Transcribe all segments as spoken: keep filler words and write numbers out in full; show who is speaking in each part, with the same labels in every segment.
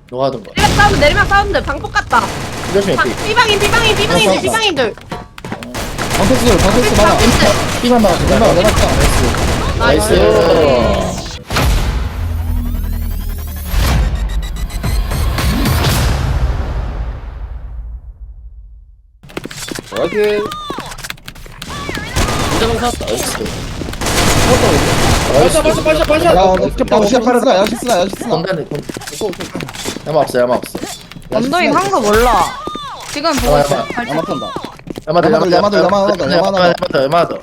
Speaker 1: 너가 하던 거.
Speaker 2: 내리막 사운드 내리막 사운드 방폭 같다.
Speaker 1: 조심해
Speaker 2: 방-
Speaker 1: 삐.
Speaker 2: 삐방인 삐방인 삐방인들
Speaker 3: 어,
Speaker 2: 삐방인들.
Speaker 3: 방패스 방패스 많아.
Speaker 2: 방패스.
Speaker 1: 삐만 막아.
Speaker 3: 내가 내가 딱.
Speaker 1: 나이스. 나이스.
Speaker 4: 화이팅.
Speaker 5: 무자방 샀다.
Speaker 1: 나이스.
Speaker 4: 발샷 발샷 발샷 발샷.
Speaker 3: 야, 야시스나 야시스나 야시스나.
Speaker 1: 건단에 건. 야마 없어 야마 없어.
Speaker 6: 언더인 한 거 몰라. 지금 보고 있어.
Speaker 1: 야마
Speaker 3: 야마 탄다.
Speaker 1: 야마들
Speaker 3: 야마들, 야마들, 야마들, 야마들.
Speaker 1: 야마들 야마들.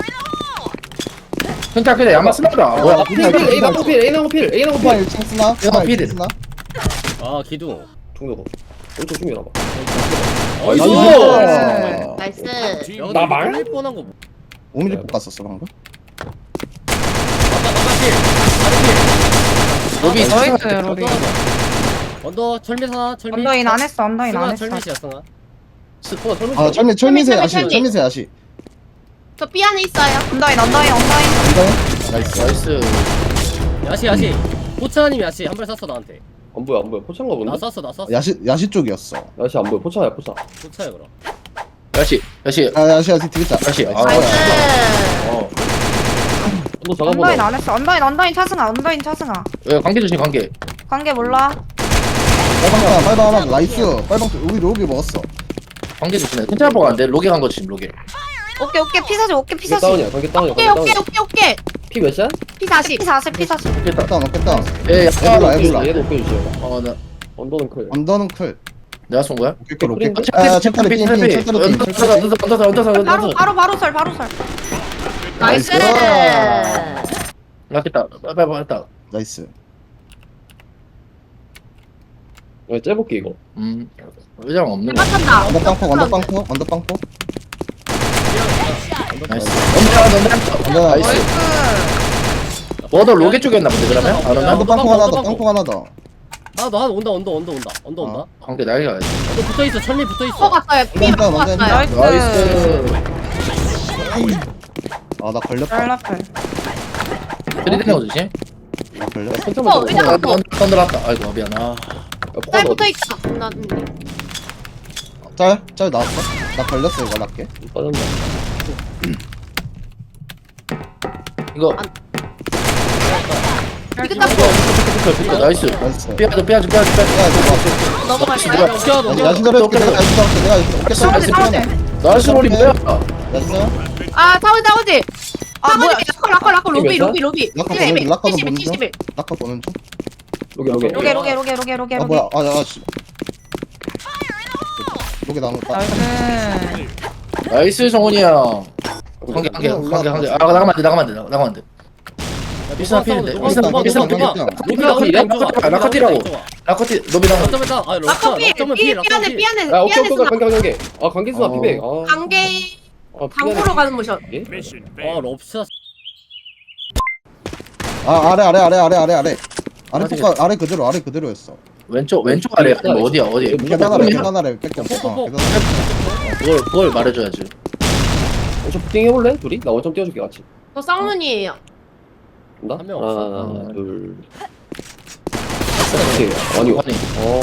Speaker 1: 그러니까 그래 야마 스나더라. 뭐야?
Speaker 4: 필 필. A 나고 필. A 나고 필. A 나고
Speaker 3: 쿠파
Speaker 4: 필.
Speaker 3: 일 층 쓰나?
Speaker 1: 야마 필.
Speaker 3: 쓰나?
Speaker 5: 아 기둥.
Speaker 4: 중요도. 오른쪽 중요나 봐.
Speaker 5: 나이스.
Speaker 2: 나이스.
Speaker 5: 야,
Speaker 4: 나 말?
Speaker 5: 말 뻔한 거. 뭐-
Speaker 3: 오 밀리 뽑았었어 방금.
Speaker 5: 아까 아까 필.
Speaker 1: 로비
Speaker 6: 나이스
Speaker 5: 언더
Speaker 6: 로리.
Speaker 5: 하나. 언더 철미 하나 철미.
Speaker 6: 언더인 안 했어. 언더인 안
Speaker 5: 승아
Speaker 6: 했어.
Speaker 5: 철미시야 승아.
Speaker 4: 스포 설명.
Speaker 3: 아 철미 철미세
Speaker 2: 철미,
Speaker 3: 야시
Speaker 2: 철미.
Speaker 3: 철미세 야시.
Speaker 2: 저 삐 안에 있어요.
Speaker 6: 언더인 언더인 언더인.
Speaker 3: 이거 나이스.
Speaker 1: 나이스.
Speaker 5: 야시 야시. 포차님 야시 한 발 쐈어 나한테.
Speaker 4: 안 보여 안 보여. 포차인가 본데.
Speaker 5: 나 쐈어 나 쐈어.
Speaker 3: 야시 야시 쪽이었어.
Speaker 4: 야시 안 보여. 포차야 포차.
Speaker 5: 포차야 그럼.
Speaker 1: 야시 야시
Speaker 3: 아 야시 야시 되겠다.
Speaker 1: 야시. 아.
Speaker 2: 나이스.
Speaker 1: 어.
Speaker 4: 또
Speaker 6: 언더인
Speaker 4: 잡아보자.
Speaker 6: 안 했어. 언더인 언더인 차승아. 언더인 차승아.
Speaker 1: 야 관계 조심 관계.
Speaker 6: 관계 몰라.
Speaker 3: 빨방판 빨방판 나이스. 빨방 우리 로비 먹었어.
Speaker 1: 관계 조심해. 괜찮아 보고 안 돼. 로게 간 거 지금 로게.
Speaker 6: 오케이 오케이 피사지 오케이
Speaker 4: 관계
Speaker 6: 피사지.
Speaker 4: 다운이야. 관계 다운이야.
Speaker 2: 오케이
Speaker 4: 관계
Speaker 2: 오케이
Speaker 4: 다운.
Speaker 2: 오케이 오케이.
Speaker 4: 피 몇이야?
Speaker 2: 피 사십.
Speaker 6: 피 사십 피 사십.
Speaker 1: 됐다.
Speaker 3: 깼다 먹겠다.
Speaker 1: 예, 야,
Speaker 3: 애들아, 애들아.
Speaker 4: 얘도 오케이 주시오.
Speaker 1: 어, 나
Speaker 4: 언더는 클.
Speaker 3: 언더는 클.
Speaker 1: 내가 쏜 거야?
Speaker 3: 오케이 클 오케이 클.
Speaker 1: 아,
Speaker 3: 아 챕터리 핑핑 챕터리 핑.
Speaker 1: 얹어서 얹어서 얹어서
Speaker 6: 바로
Speaker 1: 얹어서.
Speaker 6: 바로 바로 설 바로 설.
Speaker 2: 나이스.
Speaker 1: 락했다. 빨리 했다.
Speaker 3: 나이스.
Speaker 4: 야, 째볼게 이거.
Speaker 1: 음, 의자랑 없는 거.
Speaker 2: 맞췄다.
Speaker 3: 언더 빵포 언더 빵포 언더 빵포.
Speaker 1: 나이스. 언더 언더
Speaker 3: 언더
Speaker 1: 나이스. 뭐더 로게 쪽이었나 본데 그러면? 안
Speaker 3: 언더
Speaker 1: 오나?
Speaker 3: 빵포 하나 더 빵포 하나 더.
Speaker 5: 아너 하나 온다 온다 온다 온다 언더 온다.
Speaker 1: 관계 나이가.
Speaker 5: 언더 붙어 있어 철미 붙어
Speaker 2: 어
Speaker 5: 있어.
Speaker 2: 갔어요. 삐
Speaker 3: 언더,
Speaker 2: 맞고
Speaker 3: 언더,
Speaker 2: 갔어요.
Speaker 6: 나이스.
Speaker 1: 나이스.
Speaker 3: 아 나 걸렸다.
Speaker 6: 짤라플.
Speaker 1: 들이대는 거 조심.
Speaker 3: 나 걸렸어.
Speaker 4: 천천히
Speaker 2: 어, 의자
Speaker 4: 잡아.
Speaker 2: 갖고.
Speaker 1: 언더 들어왔다. 아이고 미안. 아.
Speaker 2: 쌀 붙어 있다. 나
Speaker 3: 짤? 짤 나왔어? 나 걸렸어 이거 낮게.
Speaker 4: 빠졌나?
Speaker 1: 이거
Speaker 2: 이거 딱
Speaker 1: 이거 나이스.
Speaker 3: 나이스.
Speaker 1: 삐아도 삐아도 삐아도 삐아도.
Speaker 3: 야 이거
Speaker 2: 넘어갈까요?
Speaker 5: 어깨 하나
Speaker 3: 야시
Speaker 5: 넘겨.
Speaker 3: 야시 더럽게 내가 야시 더럽게 내가 어깨
Speaker 6: 싸우지 싸우지.
Speaker 1: 나이스 로리 뭐야?
Speaker 3: 나이스.
Speaker 2: 아 타오지 타오지.
Speaker 6: 아 뭐야?
Speaker 2: 라커 라커 라커 로비
Speaker 4: 이거
Speaker 2: 로비 로비.
Speaker 3: 라커
Speaker 2: 칠십일,
Speaker 3: 보는 중, 라커도
Speaker 2: 칠십일,
Speaker 3: 보는 중.
Speaker 2: 칠십일.
Speaker 3: 낙하 보는 중.
Speaker 4: 로게 로게.
Speaker 6: 로게 로게 로게 로게 로게
Speaker 3: 아
Speaker 6: 로게.
Speaker 3: 뭐야? 아야 씨. 여기 나온 거.
Speaker 6: 나이스.
Speaker 1: 나이스 정훈이 형. 관계 관계 관계 관계. 아 나가면 안 돼. 나가면 안 돼. 나가면 안 돼. 비싼 필인데.
Speaker 5: 누가
Speaker 1: 비싼
Speaker 5: 누가
Speaker 1: 비싼
Speaker 5: 누가
Speaker 1: 필.
Speaker 5: 누가
Speaker 1: 로비 라커티래?
Speaker 5: 누가
Speaker 1: 라커티라고. 라커티 로비 라커.
Speaker 5: 점점했다. 아
Speaker 2: 라커 삐.
Speaker 5: 점점
Speaker 2: 삐
Speaker 5: 피
Speaker 2: 삐 안에 삐 안에
Speaker 4: 야 오케이
Speaker 2: 삐
Speaker 4: 오케이
Speaker 2: 안에
Speaker 4: 관계 관계. 아 관계 수나
Speaker 1: 어.
Speaker 4: 피백. 아.
Speaker 2: 관계
Speaker 4: 아,
Speaker 2: 강으로 가는 모션.
Speaker 4: 예?
Speaker 5: 아 럽샷.
Speaker 3: 아 아래 아래 아래 아래 아래 아래. 아래 포카 아래 그대로 아래 그대로였어.
Speaker 1: 왼쪽 왼쪽 아래 아니면 어디야 어디?
Speaker 3: 계단 아래 계단 아래 뺏겨. 어, 계단
Speaker 1: 그걸 그걸 말해줘야지.
Speaker 4: 원점 부팅 해볼래? 둘이? 나 원점 띄워줄게 같이.
Speaker 2: 저 쌍문이에요.
Speaker 4: 간다?
Speaker 5: 한명 없어.
Speaker 4: 하나 둘. 오케이. 아니.
Speaker 1: 아니.
Speaker 4: 어.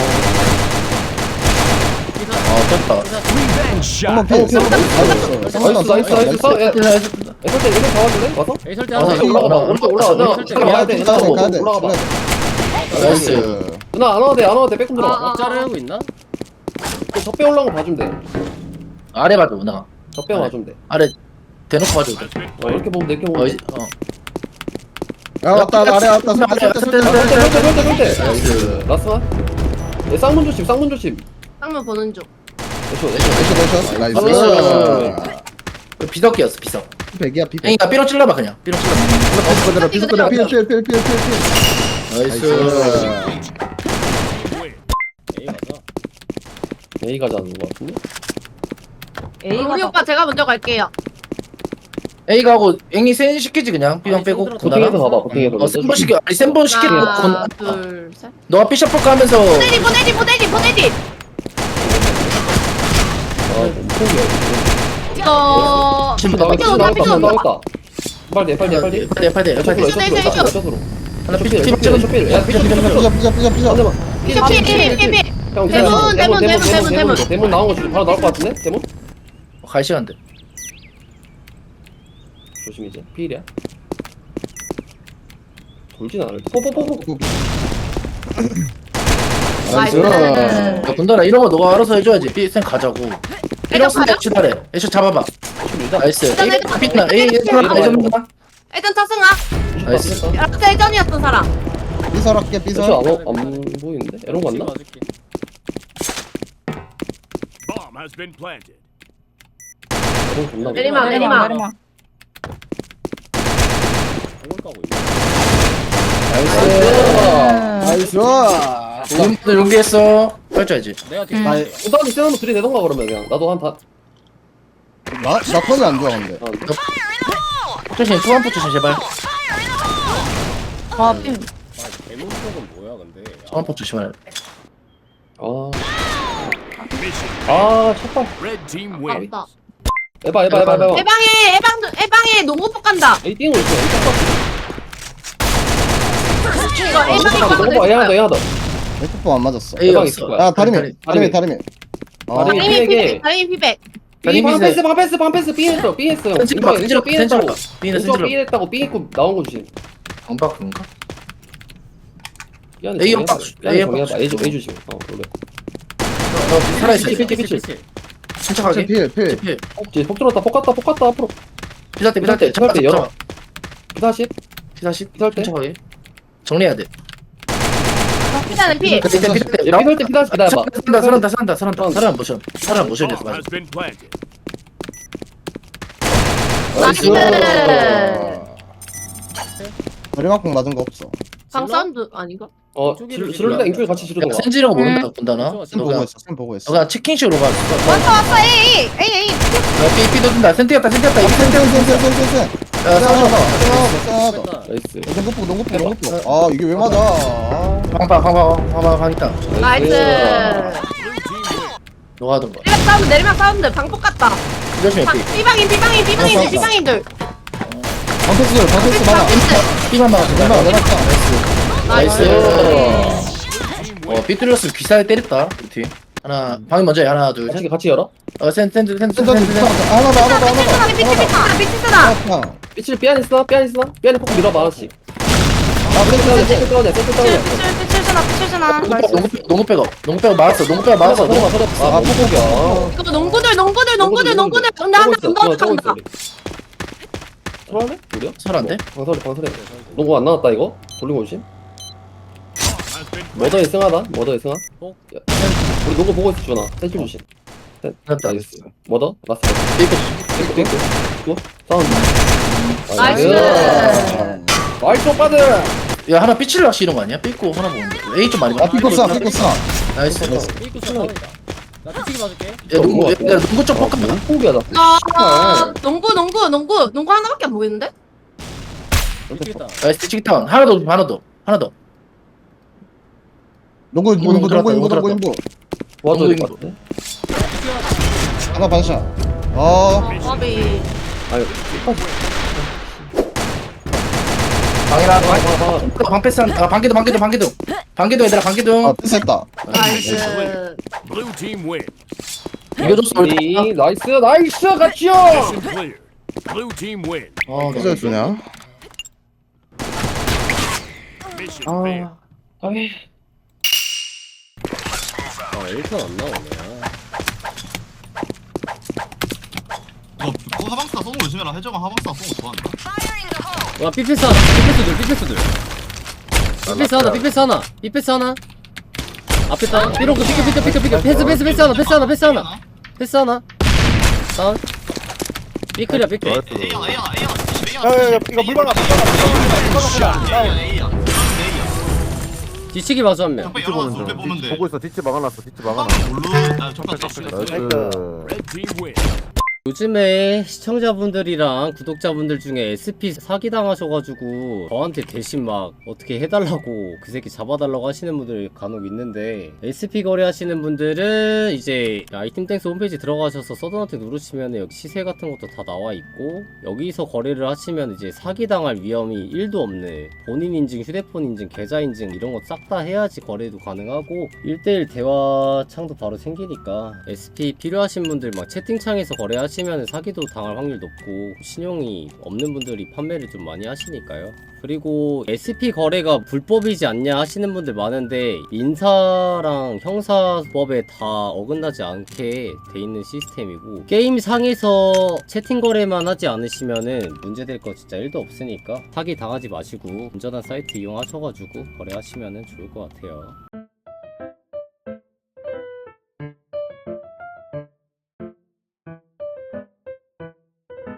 Speaker 1: 아 됐다.
Speaker 3: 한번 피.
Speaker 4: 나이스 나이스 나이스. 싸. 야,
Speaker 1: 나이스.
Speaker 4: 애설 때 애설 잡아줄래? 와서?
Speaker 5: 에이 설때
Speaker 1: 아,
Speaker 5: 하나.
Speaker 1: 이거
Speaker 4: 올라가 봐.
Speaker 1: 올라가.
Speaker 4: 오른쪽 올라가. 나
Speaker 5: 설때
Speaker 4: 지금 와야 돼.
Speaker 3: 가야 돼
Speaker 4: 올라가
Speaker 3: 가야 돼.
Speaker 4: 올라가 봐.
Speaker 1: 나이스.
Speaker 4: 누나 안 와도 돼. 안 와도 돼. 백금 들어.
Speaker 2: 아, 아.
Speaker 5: 자르고 있나?
Speaker 4: 적배 올라온 거 봐주면 돼.
Speaker 1: 아래 봐줘 누나.
Speaker 4: 적배 봐주면 돼.
Speaker 1: 아래 대놓고 봐줘.
Speaker 4: 어, 이렇게 보면 돼. 이렇게
Speaker 1: 어,
Speaker 4: 보면
Speaker 1: 이제-
Speaker 4: 돼.
Speaker 1: 어.
Speaker 3: 야 왔다 아래 왔다 설대 설대 설대.
Speaker 4: 설대 설대 설대 설대.
Speaker 1: 나이스.
Speaker 4: 나스나? 얘 쌍문 조심. 쌍문 조심.
Speaker 2: 쌍문 보는 중.
Speaker 4: 애쇼 애쇼.
Speaker 3: 애쇼 애쇼. 나이스.
Speaker 1: 그 비석기였어 비석.
Speaker 3: 백이야 피.
Speaker 1: 앵이가 삐로 찔러봐 그냥. 삐로 찔러봐.
Speaker 3: 피스 그대로 피스 그대로 필필필필필.
Speaker 1: 나이스.
Speaker 5: 에이 맞아.
Speaker 4: A 가자는 거 같은데?
Speaker 2: 우리 오빠 제가 먼저 갈게요.
Speaker 1: A가 하고 앵이 센 시키지 그냥. B방
Speaker 5: 아니,
Speaker 1: 빼고.
Speaker 5: 손들어.
Speaker 4: 보팅해서
Speaker 1: 누나랑.
Speaker 4: 가봐. 보팅해서.
Speaker 1: 어 센번 시켜. 아니 센번 시키고.
Speaker 2: 하나
Speaker 1: 건-
Speaker 2: 둘 셋.
Speaker 1: 너가 삐셔플까 하면서.
Speaker 2: 보내디 보내디 보내디 보내디.
Speaker 4: 아, 포기야.
Speaker 2: 이거
Speaker 1: 지금
Speaker 4: 나왔다.
Speaker 2: 삐져,
Speaker 4: 나왔다.
Speaker 2: 삐져.
Speaker 4: 나왔다. 빨리 빨리 빨리.
Speaker 1: 팔대 팔대 팔대.
Speaker 4: 에쇼
Speaker 2: 에쇼, 에쇼, 에쇼.
Speaker 4: 에쇼로.
Speaker 1: 하나 삐
Speaker 4: 쇼필,
Speaker 1: 삐
Speaker 4: 쇼필, 쇼필. 야,
Speaker 3: 피자 피자 피자 피자 피자.
Speaker 4: 한 대만.
Speaker 2: 피셔 피, 피, 피, 피.
Speaker 4: 형,
Speaker 2: 대문, 대문, 대문, 대문, 대문.
Speaker 4: 대문 나온 거 지금 바로 나올 것 같은데? 대문?
Speaker 1: 갈 시간 돼.
Speaker 4: 조심 이제. 피일이야. 돌진 않을 때. 포포포포.
Speaker 2: 나이스.
Speaker 1: 야, 군달아 이런 거 너가 알아서 해줘야지. 삐센 가자고. 이런 거
Speaker 2: 가요?
Speaker 1: 치달해. 애쇼 잡아봐. 나이스.
Speaker 2: 일단
Speaker 1: 에이,
Speaker 2: 일단
Speaker 1: 삐나.
Speaker 2: 일단
Speaker 1: 에이,
Speaker 2: 일단
Speaker 1: 애쇼
Speaker 2: 일단
Speaker 1: 애쇼
Speaker 2: 일단 차승아.
Speaker 1: 나이스.
Speaker 2: 라스트 예전이었던 사람.
Speaker 3: 삐설 할게
Speaker 4: 삐
Speaker 3: 삐설.
Speaker 4: 안, 어- 안 보이는데? 에런
Speaker 5: 지금
Speaker 4: 갔나?
Speaker 5: 맞을게.
Speaker 7: Bomb has been planted.
Speaker 4: 에런 존나.
Speaker 2: 내리막,
Speaker 6: 내리막
Speaker 2: 내리막.
Speaker 6: 내리막.
Speaker 5: 공을 까고 있네.
Speaker 1: 나이스.
Speaker 3: 나이스.
Speaker 1: 지금부터 용기했어. 펼쳐야지.
Speaker 5: 내가 뒤에
Speaker 6: 음.
Speaker 3: 나,
Speaker 4: 일단 세는 거 들이대던가 그러면 그냥 나도 한 다.
Speaker 3: 나, 나 턴이 안 좋아 근데.
Speaker 4: 아,
Speaker 1: 조심, 투한포 조심 제발.
Speaker 6: 아 삐.
Speaker 5: 아, 대문 쪽은 뭐야 근데. 아,
Speaker 1: 투한포 조심하래.
Speaker 4: 아,
Speaker 7: Mission
Speaker 4: 아, 첫발.
Speaker 7: red team wins.
Speaker 2: 맞다.
Speaker 4: 에바, 에바, 에바, 에바.
Speaker 2: 에방에, 에방, 에방에 농구폭 간다.
Speaker 4: 에이 띵을 있어. 에이
Speaker 2: 이거
Speaker 4: 띵
Speaker 2: 에방에
Speaker 4: 봐. 너무 봐. 얘 하나 더, 얘 하나 더.
Speaker 3: 에코포 안 맞았어.
Speaker 1: 에이
Speaker 4: 대박
Speaker 1: 없어.
Speaker 4: 있을 거야.
Speaker 3: 야 다리미
Speaker 1: 다리-
Speaker 3: 다리미 다리미. 아
Speaker 4: 다리미.
Speaker 2: 다리미
Speaker 4: 피백에.
Speaker 2: 피백, 다리미 피백.
Speaker 4: 삐, 방
Speaker 1: 다리미
Speaker 4: 패스, 방 패스, 방 패스, 삐 했어, 삐 했어.
Speaker 1: 센치로 봐, 센치로
Speaker 4: 삐
Speaker 1: 센치로
Speaker 4: 했다고.
Speaker 1: 봐. 삐는
Speaker 4: 인수가
Speaker 1: 센치로.
Speaker 4: 삐 했다고 삐 했고 나온 거 주신.
Speaker 1: 방박인가?
Speaker 4: 삐 안에
Speaker 1: A
Speaker 4: 정리해봐.
Speaker 1: 박스,
Speaker 4: 삐 안에
Speaker 1: A
Speaker 4: 정리해봐.
Speaker 1: 박스.
Speaker 4: A 주- A 주심. 어, 원래.
Speaker 1: 너 살아있어.
Speaker 4: 피치, 피치, 피치.
Speaker 5: 피치.
Speaker 1: 침착하게.
Speaker 3: 필 필.
Speaker 1: 필.
Speaker 4: 어, 이제 폭 들어왔다, 폭 갔다, 폭 갔다 앞으로.
Speaker 1: 피살 때, 피살 때.
Speaker 4: 피살 때 열어.
Speaker 1: 잡아.
Speaker 4: 피다시.
Speaker 1: 피사십.
Speaker 4: 피살 때.
Speaker 1: 침착하게. 정리해야 돼.
Speaker 2: 피자는 피.
Speaker 1: 그때 피살 때.
Speaker 4: 얘 피살 때 피다시 기다려봐.
Speaker 1: 살한다, 살한다, 살한다, 살한다. 살한 모션. 살한 모션 됐어.
Speaker 7: Bomb
Speaker 1: 맞아.
Speaker 7: has been planted.
Speaker 2: 나이스.
Speaker 3: 다리막공 맞은 거 없어.
Speaker 2: 방 사운드 아닌가?
Speaker 4: 어, 지를 지를 때 인줄 같이 지르는
Speaker 1: 야,
Speaker 4: 거야.
Speaker 1: 센지라고 모른다,
Speaker 6: 음.
Speaker 1: 본다나?
Speaker 5: 좀
Speaker 3: 쌤
Speaker 1: 너가,
Speaker 3: 보고 있어. 쌤 보고 있어.
Speaker 1: 너가 치킨식으로 가. 야,
Speaker 6: 왔어 왔어 에이 에이 에이 에이.
Speaker 1: 삐, 삐 던진다. 센티였다, 센티였다. 이거 센티.
Speaker 3: 쌤쌤쌤쌤쌤.
Speaker 1: 야, 싸워봐.
Speaker 3: 쌤
Speaker 5: 뺐다.
Speaker 4: 나이스.
Speaker 3: 농구포 농구포 농구포. 아 이게 왜 맞아? 아.
Speaker 1: 방방, 방방, 방방, 방 있다.
Speaker 2: 나이스.
Speaker 7: Blue team wins.
Speaker 1: 너가 하던 거.
Speaker 2: 내리막 사운드, 내리막 사운드. 방폭 같다.
Speaker 1: 조심해, 삐.
Speaker 2: 삐방인, 삐방인, 삐방인,
Speaker 3: 맞다.
Speaker 2: 삐방인들.
Speaker 3: 방패스 방패스 많아.
Speaker 1: 삐만 막아.
Speaker 3: 내가 내가 차.
Speaker 1: 나이스.
Speaker 2: 나이스.
Speaker 1: 어, 삐뚤렸으면 귀살에 때렸다. 우리 팀. 하나, 방이 먼저 해. 하나, 둘, 셋.
Speaker 4: 같이 같이 열어.
Speaker 1: 어, 센, 센, 센, 센, 센,
Speaker 3: 센터
Speaker 1: 센, 센.
Speaker 3: 하나 더 하나 더 하나
Speaker 2: 삐치스나,
Speaker 3: 더.
Speaker 2: 삐치스나, 삐치스나.
Speaker 3: 아
Speaker 4: 삐칠 삐안 있어, 삐안 있어. 삐안에 폭 밀어봐 하나씩. 아, 센터 다운해, 센터 다운해, 센터 다운해.
Speaker 6: 삐칠순아 삐칠순아.
Speaker 1: 농구, 농구 백업. 농구 백업 막았어. 농구 백업 막았어.
Speaker 4: 서봐, 서봐, 서봐. 아, 폭폭이야.
Speaker 2: 이거 농구들, 농구들, 농구들, 농구들. 근데 한명 더 간다.
Speaker 4: 설하네? 우리야?
Speaker 1: 설한데?
Speaker 4: 방설이, 방설이. 농구 안 나왔다 이거? 돌리고 오심?
Speaker 7: Bomb has been
Speaker 4: 머더에 승하다. 머더에 승하.
Speaker 5: 어?
Speaker 4: 야, 센- 우리 농구 보고 있어 주나. 센줄 조심. 센.
Speaker 1: 맞다.
Speaker 4: 나이스. 머더? 라스.
Speaker 1: 삐끗.
Speaker 4: 띵크 띵크. 또 사운드.
Speaker 2: 나이스.
Speaker 4: 나이스 오빠들.
Speaker 1: 야, 하나 삐치를 낚시 이런 거 아니야? 삐고 하나 보는데. A 좀 많이
Speaker 3: 아
Speaker 1: 봐.
Speaker 3: 피코 쏴 피코 쏴.
Speaker 1: 나이스. 야,
Speaker 5: 삐꾸 싸움이다. 나 피치기 봐줄게.
Speaker 1: 농구, 야, 농구 쪽 뻑까.
Speaker 4: 포기야 나.
Speaker 2: 아, 농구, 농구, 농구, 농구 하나밖에 안 보이는데?
Speaker 5: 미치겠다.
Speaker 1: 나이스, 치킨타운. 하나 더, 하나 더. 하나 더.
Speaker 3: 농구 농구 농구
Speaker 1: 들어왔다,
Speaker 3: 농구
Speaker 1: 농구
Speaker 3: 농구 농구.
Speaker 4: 도와줘야
Speaker 1: 농구
Speaker 4: 될것 같아.
Speaker 3: 하나 반샷. 아
Speaker 2: 아비.
Speaker 4: 아유.
Speaker 1: 방이라, 방,
Speaker 4: 방, 방.
Speaker 1: 방 패스한, 아, 방기도, 방기도, 방기도. 방기도 얘들아, 방기도.
Speaker 3: 아 패스했다.
Speaker 2: 나이스.
Speaker 7: blue team wins.
Speaker 1: 이거 줬어, 우리.
Speaker 4: 이, 나이스 나이스 같이요.
Speaker 7: Mission cleared. Blue team wins.
Speaker 1: 어,
Speaker 3: 패스 주냐?
Speaker 7: Mission failed.
Speaker 1: 아,
Speaker 4: 아이.
Speaker 5: 아, 일 편 안 나오네.
Speaker 8: 너 그거 하방스타 쏘는 거 조심해라. 해적은 하방스타 쏘는 거 좋아한다.
Speaker 5: 와, 삐패스 하나. 삐패스들, 삐패스들. 삐패스 하나, 삐패스 하나. 삐패스 하나. 앞에 다운. 삐롱, 삐끗, 삐끗, 삐끗, 삐끗. 패스, 패스, 패스 하나, 패스 하나, 패스 하나. 패스 하나. 다운. 삐클이야, 삐클.
Speaker 8: A야 A야 A야.
Speaker 9: 야야야 이거 물 박아 물 박아 물 박아
Speaker 8: A야 A야. A야.
Speaker 5: 뒤치기 봐줘, 한 명.
Speaker 8: 적배 열어놨어. 적배 보면 돼.
Speaker 9: 보고 있어 뒤치 막아놨어 뒤치
Speaker 8: 방
Speaker 9: 막아놨어
Speaker 8: 몰루. 아 적배 적배.
Speaker 9: 나이스
Speaker 7: Red team wins.
Speaker 5: 요즘에 시청자분들이랑 구독자분들 중에 에스피 사기당하셔가지고 저한테 대신 막 어떻게 해달라고 그 새끼 잡아달라고 하시는 분들 간혹 있는데, 에스피 거래하시는 분들은 이제 아이템땡스 홈페이지 들어가셔서 서든어택 누르시면 여기 시세 같은 것도 다 나와 있고, 여기서 거래를 하시면 이제 사기당할 위험이 일도 없네. 본인 인증, 휴대폰 인증, 계좌 인증 이런 거 싹 다 해야지 거래도 가능하고 일 대일 대화 창도 바로 생기니까, 에스피 필요하신 분들 막 채팅창에서 거래하시 시면 사기도 당할 확률 높고 신용이 없는 분들이 판매를 좀 많이 하시니까요. 그리고 에스피 거래가 불법이지 않냐 하시는 분들 많은데, 민사랑 형사법에 다 어긋나지 않게 돼 있는 시스템이고, 게임 상에서 채팅 거래만 하지 않으시면은 문제될 거 진짜 일도 없으니까 사기 당하지 마시고 안전한 사이트 이용하셔가지고 거래하시면은 좋을 것 같아요.